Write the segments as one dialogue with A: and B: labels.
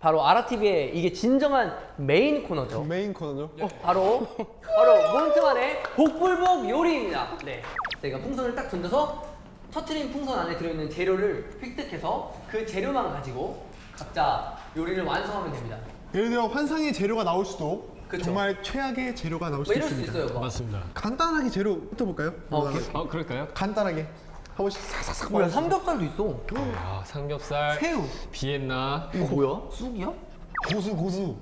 A: 바로 아라TV의 이게 진정한 메인 코너죠.
B: 메인 코너죠.
A: 바로 몬트만의 복불복 요리입니다. 네, 저희가 풍선을 딱 던져서 터트린 풍선 안에 들어있는 재료를 획득해서 그 재료만 가지고 각자 요리를 완성하면 됩니다.
B: 예를 들어 환상의 재료가 나올 수도
A: 그쵸.
B: 정말 최악의 재료가 나올
A: 뭐
B: 수도
A: 이럴 수
B: 있습니다.
A: 있어요. 뭐.
C: 맞습니다.
B: 간단하게 재료부터 볼까요?
A: 오케이.
C: 그럴까요?
B: 간단하게 한 번씩 사사삭
A: 뭐야,
B: 말해주세요.
A: 삼겹살도 있어.
C: 아, 삼겹살,
A: 새우.
C: 비엔나.
A: 이거 뭐야? 쑥이야?
B: 고수.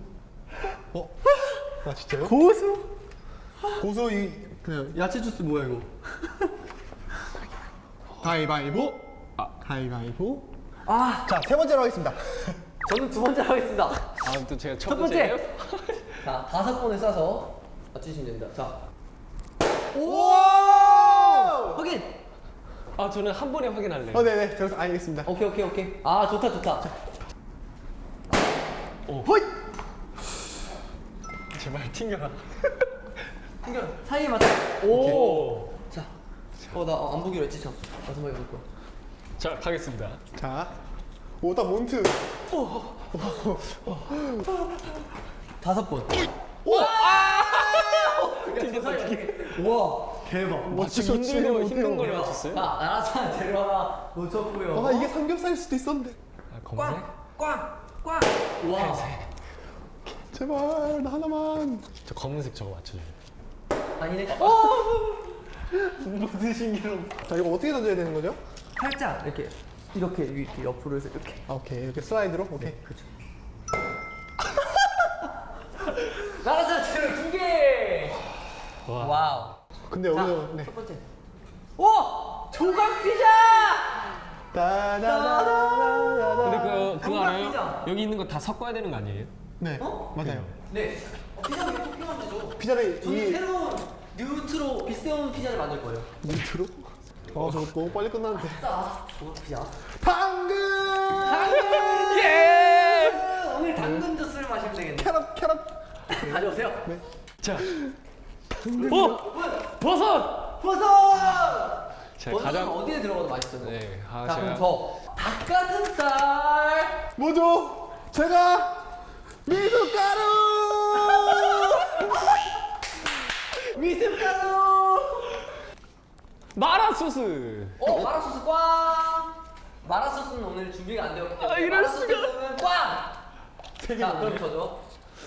B: 아 진짜요?
A: 고수?
B: 고수 이 그냥
A: 야채 주스 뭐야 이거?
B: 가위바위보. 가위바위보.
A: 아,
B: 자, 세 번째로 하겠습니다.
A: 저는 두 번째 하겠습니다.
C: 아, 또 제가 첫
A: 첫 번째.
C: 번째예요?
A: 자, 5번을 싸서 맞추시면 됩니다. 자,
B: 오!
A: 확인.
C: 아, 저는 한 번에 확인할래요.
B: 네네. 저기서 알겠습니다.
A: 오케이. 아, 좋다.
B: 호잇!
C: 제발 튕겨라.
A: 튕겨. 사이에 맞춰. 오. 자, 나 안 보기로 했지 참. 마지막에 볼 거야.
C: 자, 가겠습니다.
B: 자, 오다 몬트.
A: 5번. 와, 대박.
B: 맞추기
C: 힘든 걸 맞췄어요?
A: 나 나라산 재료 하나 놓쳤고요.
B: 아, 이게 삼겹살일 수도 있었는데.
C: 아, 검색?
A: 꽝. 와.
B: 제발 나 하나만.
C: 저 검은색 저거 맞춰줘요.
A: 아니네.
B: 무슨 신기로. 자, 이거 어떻게 던져야 되는 거죠?
A: 살짝 이렇게 옆으로 해서 이렇게.
B: 아, 오케이. 이렇게 슬라이드로. 오케이.
A: 그렇죠. 나라산 재료 2개.
C: 와.
A: 와우.
B: 근데
A: 자,
B: 여기서 네.
A: 첫 번째. 오! 조각 피자!
B: 따다다다다다.
C: 근데 그거
A: 삼각
C: 알아요?
A: 피자.
C: 여기 있는 거 다 섞어야 되는 거 아니에요?
B: 네,
A: 어?
B: 맞아요.
A: 네. 피자를 토핑하면 되죠.
B: 피자를
A: 저는
B: 이
A: 새로운 뉴트로 비싸운 피자를 만들 거예요.
B: 밑으로? 저거 너무 빨리 끝나는데.
A: 자, 조각 피자.
B: 당근!
A: 예! 오늘 당근 주스를 마시면 되겠네.
B: 캐럿.
A: 가져오세요.
B: 네.
C: 자. 버섯!
A: 버섯!
C: 제가
A: 버섯은
C: 가장
A: 어디에 들어가도 맛있어요.
C: 네, 아,
A: 자, 그럼
C: 제가
A: 저 닭가슴살.
B: 뭐죠? 제가 미숫가루!
A: 미숫가루.
C: 마라 소스.
A: 마라소스 꽝. 마라소스는 오늘 준비가 안 되었기 때문에
C: 이럴
A: 마라소스는 꽝. 자, 그럼 저죠.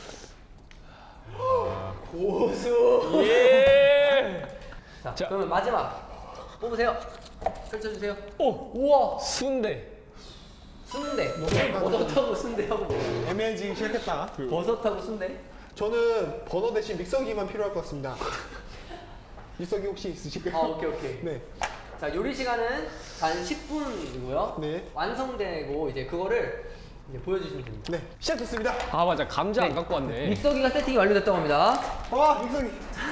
A: 고수.
C: 예.
A: 자,
C: 자.
A: 그러면 마지막 뽑으세요. 펼쳐주세요.
C: 오,
A: 우와,
C: 순대.
A: 순대. 버섯하고 순대하고 뭐.
B: 애매해지기 시작했다.
A: 버섯하고 순대.
B: 저는 버너 대신 믹서기만 필요할 것 같습니다. 믹서기 혹시 있으실까요?
A: 아, 오케이.
B: 네.
A: 자, 요리 시간은 단 10분이고요.
B: 네.
A: 완성되고 이제 그거를 이제 보여주시면 됩니다.
B: 네. 시작됐습니다.
C: 아, 맞아. 감자 안 갖고 왔네.
A: 믹서기가 세팅이 완료됐다고 합니다.
B: 와, 믹서기.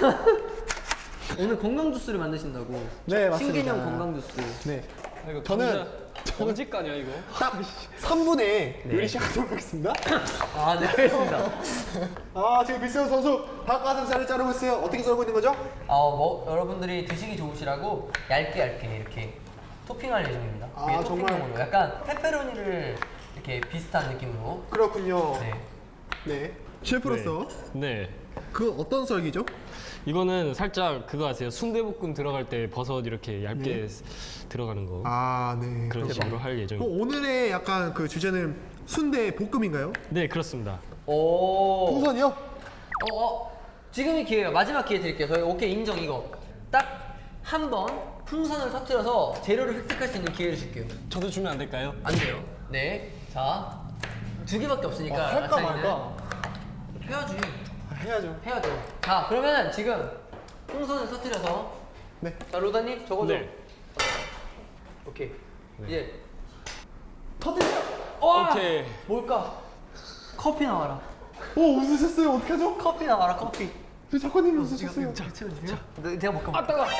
A: 오늘 건강 주스를 만드신다고.
B: 네, 맞습니다.
A: 신개념 건강 주스.
B: 네.
C: 아, 이거
B: 저는
C: 언제까냐 이거?
B: 딱 3분에
A: 네.
B: 요리 시작하도록 하겠습니다.
A: 아, 네, 알겠습니다.
B: 아, 지금 미세훈 선수 닭가슴살을 자르고 있어요. 어떻게 썰고 있는 거죠?
A: 여러분들이 드시기 좋으시라고 얇게 이렇게 토핑할 예정입니다.
B: 아,
A: 위에
B: 정말?
A: 토핑용으로 약간 페페로니를 이렇게 비슷한 느낌으로.
B: 그렇군요.
A: 네.
B: 네. 셰프로서
C: 네.
B: 그 어떤 썰기죠?
C: 이거는 살짝 그거 아세요? 순대볶음 들어갈 때 버섯 이렇게 얇게 들어가는 거.
B: 아, 네.
C: 그런 식으로 할
B: 그럼
C: 예정입니다.
B: 오늘의 약간 그 주제는 순대 볶음인가요?
C: 네, 그렇습니다.
A: 오.
B: 풍선이요?
A: 지금이 기회예요. 마지막 기회 드릴게요. 저희 오케이 인정 이거. 딱 한 번 풍선을 터뜨려서 재료를 획득할 수 있는 기회를 줄게요.
C: 저도 주면 안 될까요?
A: 안 돼요. 네. 자, 2개밖에 없으니까.
B: 할까
A: 라차이는.
B: 말까?
A: 해야지.
B: 해야죠.
A: 해야죠. 자, 그러면 지금 풍선을 터뜨려서.
B: 네.
A: 자, 로다님 적어줘.
C: 네.
A: 오케이. 이제
B: 터뜨려!
C: 오케이.
A: 뭘까? 커피 나와라.
B: 오, 웃으셨어요. 어떡하죠?
A: 커피 나와라. 커피.
B: 저 작가님이 웃으셨어요.
A: 채워주세요. 내가 먹까
C: 아, 따가.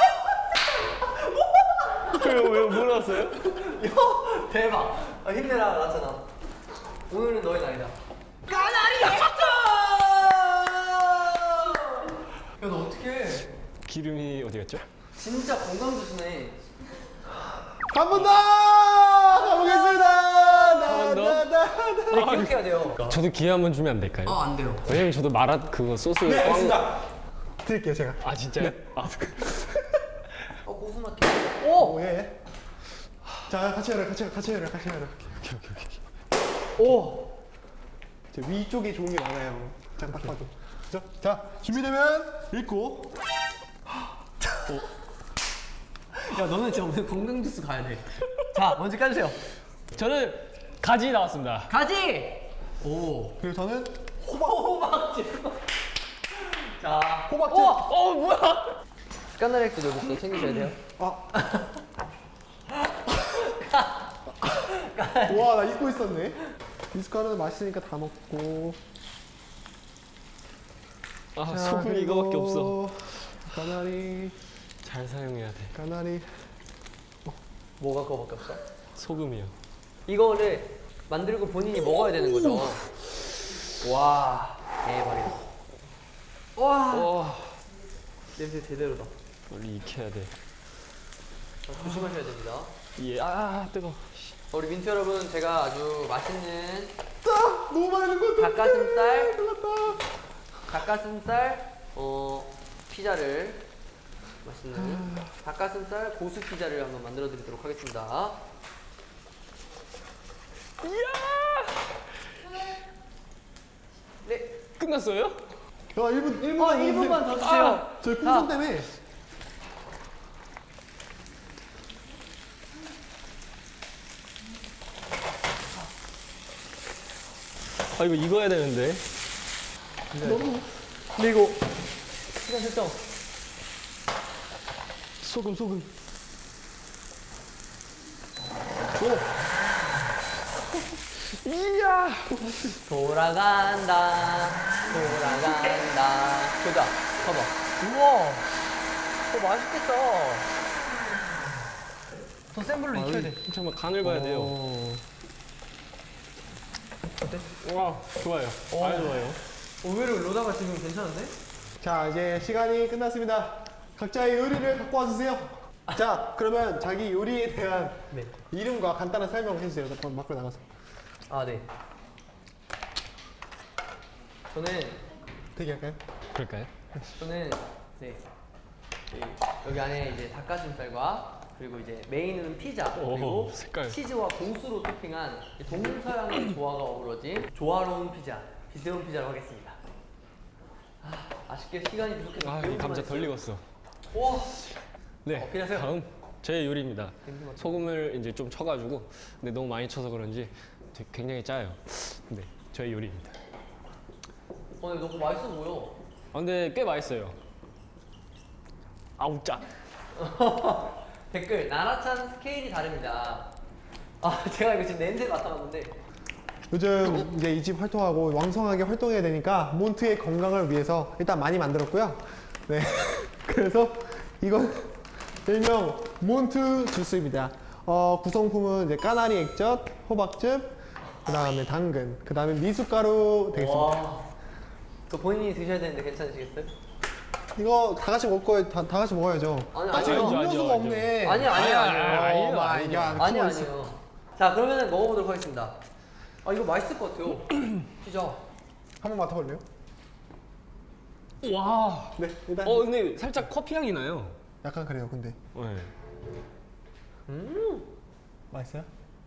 C: 왜 몰랐어요?
A: 대박. 힘내라 나잖아. 오늘은 너의 날이다. 까나리 야, 너 어떡해.
C: 기름이 어디 갔죠?
A: 진짜 건강 주스네.
B: 한 번 더! 가보겠습니다!
C: 번 더?
A: 아니, 기억해야 돼요.
C: 저도 기회 한번 주면 안 될까요?
A: 안 돼요.
C: 왜냐면 저도 마라 그거 소스
B: 네,
C: 꽝-
B: 알겠습니다. 드릴게요, 제가.
C: 아 진짜요? 아,
A: 고수맛. 오!
B: 오, 예. 자, 같이 해라.
A: 오!
B: 저 위쪽에 좋은 게 많아요. 딱 봐도. 그죠? 자, 준비되면 읽고.
A: 야, 너는 진짜 오늘 건강 주스 가야 돼. 자, 먼저 까주세요.
C: 저는 가지 나왔습니다.
A: 가지! 오.
B: 그리고 저는
A: 호박즙. 자,
B: 호박즙.
A: 뭐야? 까나리도 여기 있어. 챙기셔야 돼요.
B: 와, 나 잊고 있었네. 미숫가루는 맛있으니까 다 먹고.
C: 아
B: 자,
C: 소금이 이거밖에 없어.
B: 그리고 까나리,
C: 잘 사용해야 돼.
B: 까나리.
A: 뭐가 그거밖에 없어?
C: 소금이요.
A: 이거를 만들고 본인이 먹어야 되는 거죠. 와, 대박이다. 와,
C: 와
A: 냄새 제대로다.
C: 빨리 익혀야 돼.
A: 자, 조심하셔야 됩니다.
C: 예. 아 뜨거.
A: 우리 민트 여러분, 제가 아주 맛있는
B: 너무 많은 것 같아.
A: 닭가슴살,
B: 끝났다.
A: 피자를 맛있는 닭가슴살 고수 피자를 한번 만들어 드리도록 하겠습니다. 네.
C: 끝났어요?
B: 야, 1분만
A: 1분만 더 주세요.
B: 저희 풍선 때문에.
C: 아 이거 익어야 되는데.
A: 근데 이거 시간 설정.
C: 소금. 이야.
A: 돌아간다. 보자. 봐봐. 우와. 맛있겠다. 더 센 불로 익혀야 돼.
C: 잠깐만 간을 봐야 돼요.
A: 어때?
C: 와 좋아요. 아주 좋아요.
A: 의외로 로다가 지금 괜찮은데?
B: 자, 이제 시간이 끝났습니다. 각자의 요리를 갖고 와주세요. 자, 그러면 자기 요리에 대한
A: 네.
B: 이름과 간단한 설명을 해주세요. 밖으로 나가서.
A: 아, 네. 저는
B: 대기할까요?
C: 그럴까요?
A: 네. 여기 안에 이제 닭가슴살과 그리고 이제 메인은 피자 그리고
C: 오, 색깔.
A: 치즈와 고수로 토핑한 동서양의 조화가 어우러진 조화로운 피자, 비스러운 피자로 하겠습니다. 아쉽게 시간이 부족해서
C: 아 이 감자 덜 익었어.
A: 와,
C: 네.
A: 필요하세요?
C: 다음 제 요리입니다.
A: 냄새 맡아.
C: 소금을 이제 좀 쳐가지고 근데 너무 많이 쳐서 그런지 굉장히 짜요. 네, 저의 요리입니다.
A: 근데 너무 맛있어 보여.
C: 아, 근데 꽤 맛있어요. 아우 짜.
A: 댓글 나라찬 스케일이 다릅니다. 제가 이거 지금 냄새 맡아봤는데
B: 요즘 이제 이 집 활동하고 왕성하게 활동해야 되니까 몬트의 건강을 위해서 일단 많이 만들었고요. 네. 그래서 이건 일명 몬트 주스입니다. 구성품은 이제 까나리 액젓, 호박즙, 그 다음에 당근, 그 다음에 미숫가루 되겠습니다.
A: 와, 그 본인이 드셔야 되는데 괜찮으시겠어요?
B: 이거 다 같이 먹고 다 같이 먹어야죠.
A: 아니,
B: 지금
C: 아니요,
B: 음료수가
C: 아니요,
B: 없네.
A: 아니요.
C: 아니요,
B: 마이 갓.
A: 아니요. 자, 그러면은 먹어보도록 하겠습니다. 이거 맛있을 것 같아요. 피자.
B: 한번 맡아볼래요?
C: 와.
B: 네, 일단
C: 근데 살짝 커피 향이 나요.
B: 약간 그래요. 근데
C: 네.
B: 맛있어요?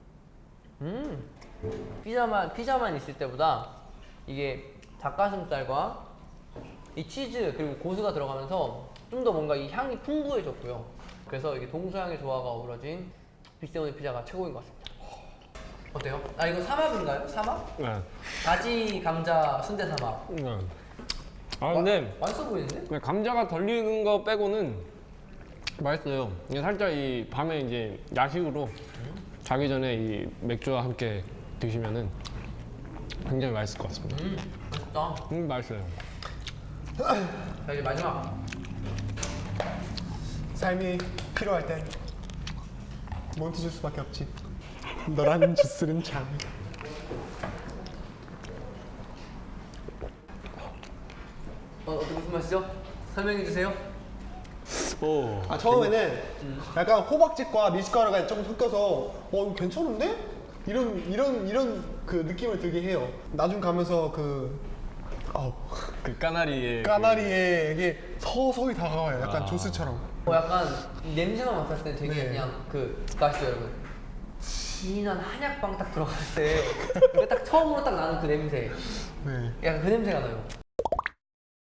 A: 피자만 있을 때보다 이게 닭가슴살과 이 치즈 그리고 고수가 들어가면서 좀 더 뭔가 이 향이 풍부해졌고요. 그래서 이게 동서양의 조화가 어우러진 빅세오니 피자가 최고인 것 같습니다. 어때요? 이거 삼합인가요? 삼합?
C: 네.
A: 가지 감자 순대 삼합.
C: 네. 아 근데
A: 맛있어 보이는데?
C: 그냥 감자가 덜 익은 거 빼고는 맛있어요. 이게 살짝 이 밤에 이제 야식으로 자기 전에 이 맥주와 함께 드시면은 굉장히 맛있을 것 같습니다.
A: 맛있다.
C: 맛있어요.
A: 자, 이제 마지막.
B: 삶이 필요할 땐 몬트 주스밖에 없지. 너라는 주스는 참.
A: 어떻게 무슨 맛이죠? 설명해 주세요.
C: 오.
B: 처음에는 약간 호박즙과 미숫가루가 조금 섞여서 이거 괜찮은데? 이런 그 느낌을 들게 해요. 나중 가면서 그
C: 그 까나리의
B: 까나리에 이게 서서히 다가와요. 약간 조스처럼.
A: 약간 냄새만 맡았을 때 되게
B: 네.
A: 그냥 그 아시죠 여러분? 진한 한약방 딱 들어갈 때 딱 처음으로 딱 나는 그 냄새.
B: 네.
A: 약간 그 냄새가 나요.